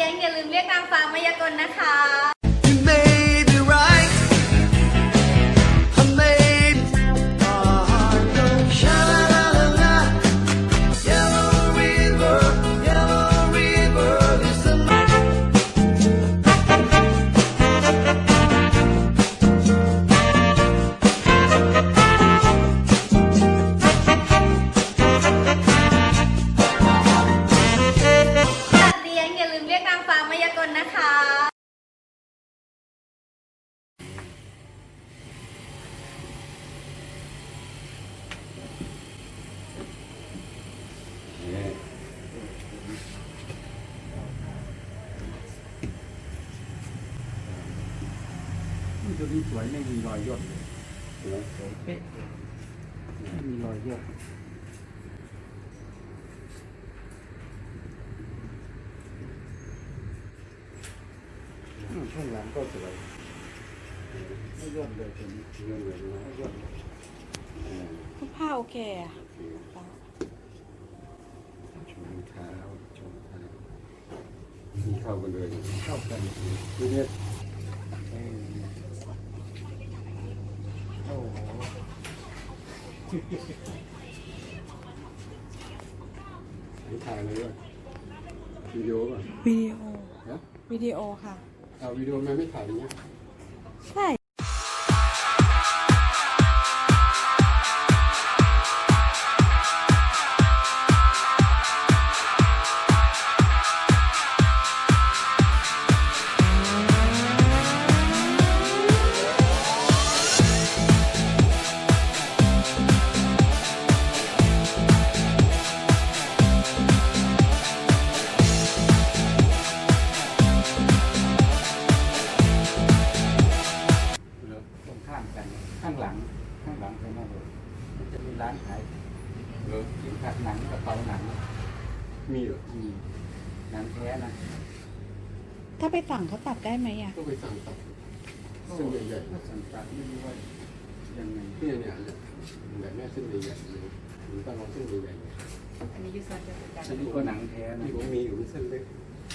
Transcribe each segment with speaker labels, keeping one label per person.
Speaker 1: ยงอย่าลืมเรียกนางฟ้ามายากลนะคะ
Speaker 2: You may be right. I may go sha-la-la-la. Yellow river, listen.
Speaker 1: สัตว์เลี้ยงอย่าลืมเรียกนางฟ้ามายากลนะคะ
Speaker 3: ตัวนี้สวยไม่มีรอยย่นเลยสวยเป๊ะไม่มีรอยย่นข้างหลังก็สวยไม่ย่นเลยตัวนี้ย่นเลยไม่ย่นเลย
Speaker 4: ผ้าโอเคอะ
Speaker 3: ชมเท้าชมเท้ามีเข้ากันเลยเข้ากันดูเนี่ยโอ้โหถ่ายเลยว่ะวิดีโอป่ะ
Speaker 4: วิดีโอ
Speaker 3: นะ
Speaker 4: วิดีโอค่ะ
Speaker 3: เอาวิดีโอมันไม่ถ่ายอย่างเงี้ย
Speaker 4: ใช่
Speaker 3: ตรงข้ามกันข้างหลังกันนั่นเลยมันจะมีร้านขายสินค้าหนังกระเป๋าหนังมีเหรอมีหนังแท้นะ
Speaker 4: ถ้าไปสั่งเขาตัดได้ไหมอ่ะ
Speaker 3: ก็ไปสั่งตัดเส้นใหญ่ๆสั่งตัดไม่รู้ว่ายังไงเนี่ยแบบแม่เส้นใหญ่ๆหรือต้องเอาเส้นใหญ่ๆ
Speaker 1: อันนี้ยูซันจะเป็นการ
Speaker 3: อันนี้ก็หนังแท้นะที่ผมมีอยู่เส้นเล็ก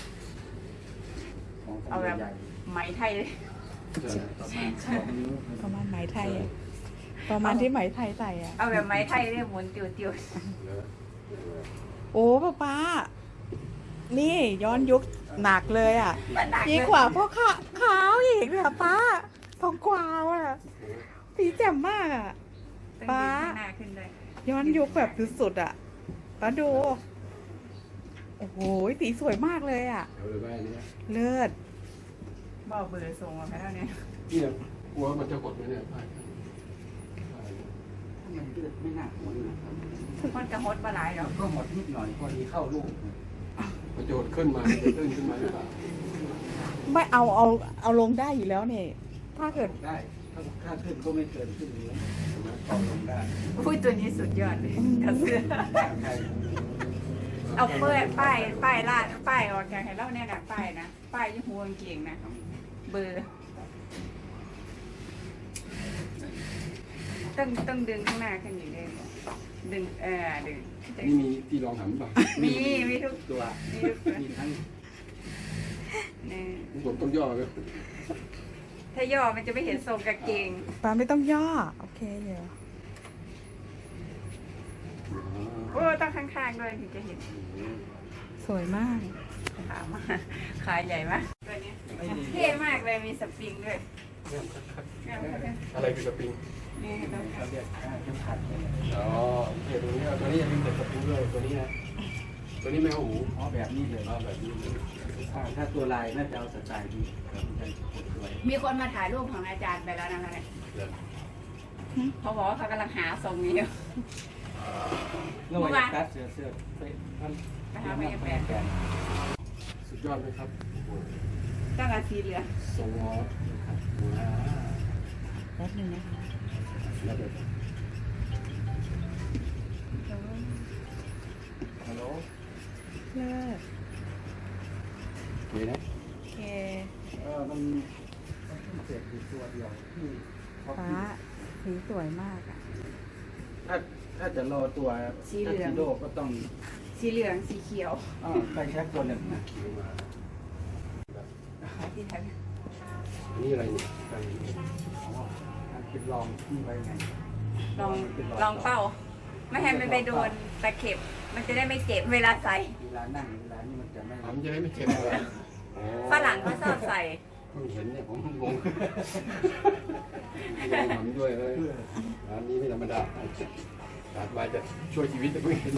Speaker 3: ของ
Speaker 1: เอาแบบ
Speaker 3: ใหญ่
Speaker 1: ไหมไทยเลย
Speaker 3: ๆประมาณ2 นิ้ว
Speaker 4: ประมาณไหมไทยอะประมาณที่ไหมไทยใส่อ่ะ
Speaker 1: เอาแบบไหมไทยเนี่ยหมุนติว
Speaker 3: แล้ว
Speaker 4: โอ้ป้านี่ย้อนยุคหนักเลยอ่ะ
Speaker 1: ๆ
Speaker 4: ดีกว่าพวกขาวอีกเลยอะป้าทองกวาวอ่ะสีแจ่มมากอ่ะ
Speaker 1: ป้าหน้าขึ้นเลย
Speaker 4: ย้อนยุคแบบสุดๆอ่ะป้าดู โอ้โหสีสวยมากเลยอ่ะ
Speaker 3: เดี๋ยวเลยว่าอันนี้
Speaker 4: เลิศ
Speaker 1: บอกเบอร์ส่งมาให้เท่านี้
Speaker 3: เนี่ยกลัวมันจะหดไหมเนี่ยป้ายมันเลือดไม่น่าหดนะครับ
Speaker 1: มันกระฮดมาหลายแล้ว
Speaker 3: ก็หดนิดหน่อยพอดีเข้าลูกมันจะหดขึ้นมาจะขึ้นมาหรือเปล่า
Speaker 4: ไม่เอาลงได้อยู่แล้วเนี่ยถ้าเกิด
Speaker 3: ได้ถ้าขึ้นก็ไม่เกินขึ้นนี้ใช่ไหมต่อลงได้
Speaker 1: พูดตัวนี้สุดยอดเลยกระเสือ
Speaker 3: ใช่
Speaker 1: เอาเปิดป้ายลาดป้ายออกจากให้เล่าเนี่ยนะป้ายนะป้ายยี่หัวกางเกงนะเบอร์ต้องดึงข้างหน้าขึ้นอยู่เลยดึงดึง
Speaker 3: นี่มีที่รองหันป่ะ
Speaker 1: มีทุก
Speaker 3: ตัว
Speaker 1: มีทุกตัว
Speaker 3: มีทั้ง
Speaker 1: เนี่ย
Speaker 3: ผมต้องย่อเลย
Speaker 1: ถ้าย่อมันจะไม่เห็นทรงกางเกง
Speaker 4: ป้าไม่ต้องย่อโอเคเดี๋ยว
Speaker 1: โอ้ต้องข้างๆด้วยถึงจะเห็น
Speaker 4: สวยมาก
Speaker 1: ขามาขาใหญ่มากตัวนี้เท่มากเลยมีสปริงด้วย
Speaker 3: อะไรคือสปริง
Speaker 1: นี่ต้อง
Speaker 3: เขาเรียกเข็มขัดอ๋อโอเคตัวนี้ตัวนี้อย่าลืมใส่สปริงด้วยตัวนี้นะตัวนี้ไม่เอาหูอ๋อแบบนี้เลยอ๋อแบบนี้ถ้าตัวลายน่าจะเอาสไตล์ดีครับมันจะสวย
Speaker 1: มีคนมาถ่ายรูปของอาจารย์ไปแล้วนะคะเนี่ยเขาบอกว่าเขากำลังหาทรงนี้อยู่
Speaker 3: เมื่อวานตัดเสื้อท่าน
Speaker 1: นะคะไม่แปลก
Speaker 3: สุดยอดไหมครับ
Speaker 1: ต้องการสีเหลือง
Speaker 3: สวอตครับ
Speaker 4: แป๊บนึงนะคะ
Speaker 3: แล้วเดี๋ยวฮัลโหล
Speaker 4: เลิศ
Speaker 3: มีนะ
Speaker 4: โอเค
Speaker 3: มันเสร็จอยู่ตัวเดียวที่เขา
Speaker 4: ป้าสีสวยมากอ่ะ
Speaker 3: ถ้าจะรอตัวทักซิโดก็ต้อง
Speaker 1: สีเหลืองสีเขียว
Speaker 3: ไปแค่ตัวหนึ่งนะ
Speaker 1: ที่ไทย
Speaker 3: อันนี้อะไรเนี่ยการ
Speaker 5: เป็นลองที่ไว้ไง
Speaker 1: ลองเป้า ไม่ให้มันไปโดนตะเข็บ มันจะได้ไม่เจ็บเวลาใส่
Speaker 5: เวลานั่งเวลานี่มันจะไม่
Speaker 3: ผมจะได้ไม่เจ็บเลยอ๋อ
Speaker 1: ฝรั่งเขาชอบใส่
Speaker 3: เพิ่งเห็นเนี่ยผมงงลองทำด้วยเลยร้านนี้ไม่ธรรมดาตัดมาจะช่วยชีวิตแต่เพิ่งเห็น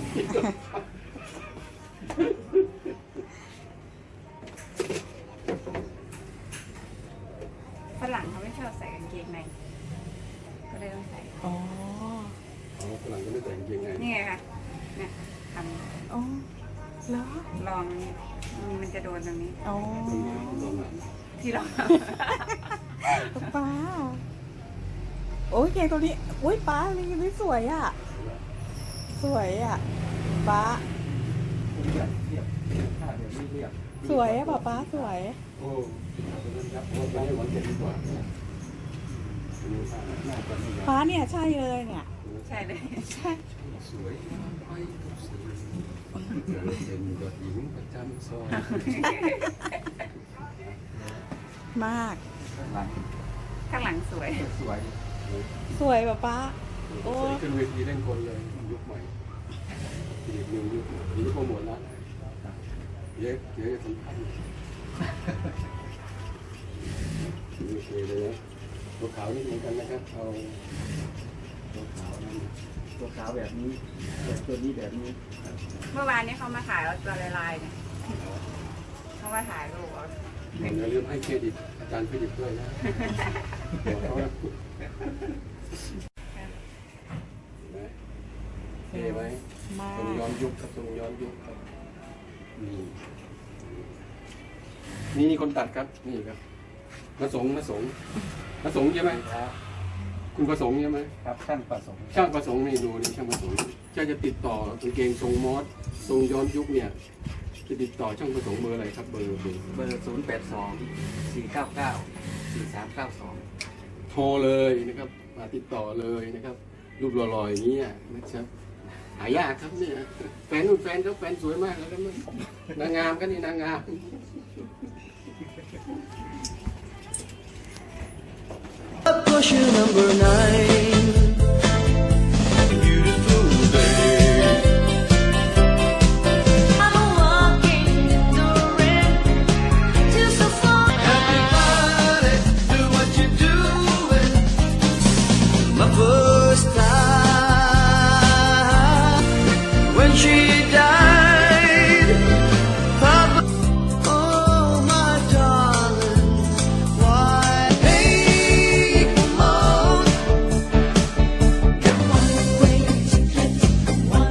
Speaker 1: ฝรั่งเขาไม่ชอบใส่กางเกงใน ก็เลยต้องใส่
Speaker 4: อ๋อ
Speaker 3: อ๋อฝรั่งก็ไม่แต่งเกงไง
Speaker 1: นี่ไงค่ะเนี่ยท
Speaker 4: อ๋อเหรอ
Speaker 1: ำลองเนี่ยมันจะโดนตรงนี้
Speaker 4: อ๋อ
Speaker 1: ที่ลอง
Speaker 4: ป้าโอ้ยเกงตัวนี้อุ้ยป้านี่สวยอ่ะ สวยอ่ะป้า
Speaker 5: เรียบเรียบถ้าเดี๋ยวนี้เรียบ
Speaker 4: สวยอ่ะป้าสวย
Speaker 3: โอ้ครับผมว่าไม่หวังเจ็บดีกว่า
Speaker 5: น่าจะไม่ยาก
Speaker 4: ป้าเนี่ยใช่เลยเนี่ย
Speaker 1: ใช่เลย
Speaker 4: ใช่
Speaker 3: สวยไปทุกสีเป็นยอดหญิงประจำซอย
Speaker 4: มาก
Speaker 5: ข้างหลัง
Speaker 1: ข้างหลังสวย
Speaker 5: สวย
Speaker 4: สวยป้าโอ้
Speaker 3: ขึ้นเวทีเล่นคนเลยยุคใหม่อีกหนึ่งยุคนี้โปรโมทแล้วเยอะสำคัญโอเคเลยนะตัวขาวนี่เหมือนกันนะครับเอาตัวขาวนั่น
Speaker 5: ตัวขาวแบบนี้แต่ตัวนี้แบบนี้
Speaker 1: เมื่อวานนี้เขามาถ่ายเอาตัวลายๆเนี่ยเขามาถ่ายรูปเอา
Speaker 3: อย่าลืมให้เครดิตอาจารย์เครดิตด้วยนะบอกเขานะเท่ไหม
Speaker 4: มา
Speaker 3: ทรง
Speaker 4: ก
Speaker 3: ย้อนยุคครับทรงย้อนยุคครับนี่คนตัดครับนี่ครับมาสงใช่ไหมคุณประสงค์ใช่ไหม
Speaker 5: ครับช่างประสงค์
Speaker 3: ช่างประสงค์นี่ดูนี่ช่างประสงค์จะติดต่อกางเกงทรงมอสทรงย้อนยุคเนี่ยจะติดต่อช่างประสงค์เบอร์อะไรครับเบอร์
Speaker 5: เบอร์082-499-4392
Speaker 3: โทรเลยนะครับมาติดต่อเลยนะครับ รูปหล่อๆอย่างนี้นะครับหายากครับเนี่ยแฟนนู่นแฟนเขาแฟนสวยมากแล้วก็นางงามก็นี่นางงาม
Speaker 2: Push number 9. Beautiful day. I'm walking the rain till so far. Everybody, do what you're doing. My first time when she died. Papa, oh my darling, why? Hey, come on.
Speaker 6: One way ticket. I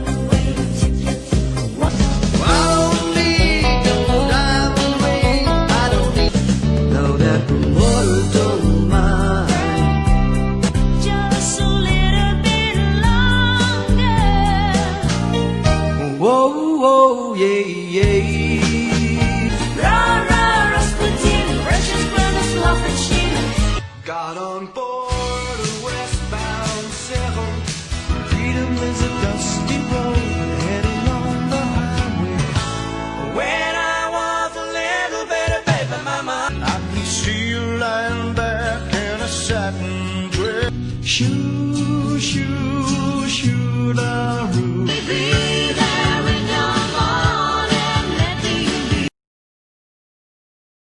Speaker 6: don't need no diamond ring.
Speaker 2: I don't need no that mortal don't mind.
Speaker 6: Just a little bit longer.
Speaker 2: Whoa, whoa, yeah, yeah.
Speaker 6: Rah, Rasputin, Russian brothers, love and shit.
Speaker 2: Got on board a westbound sail. Freedom is a dusty road heading on the highway. When I was a little bitty baby mama, I can see you lying back in a satin dress. Shoo, shoo, shoo, da, roo.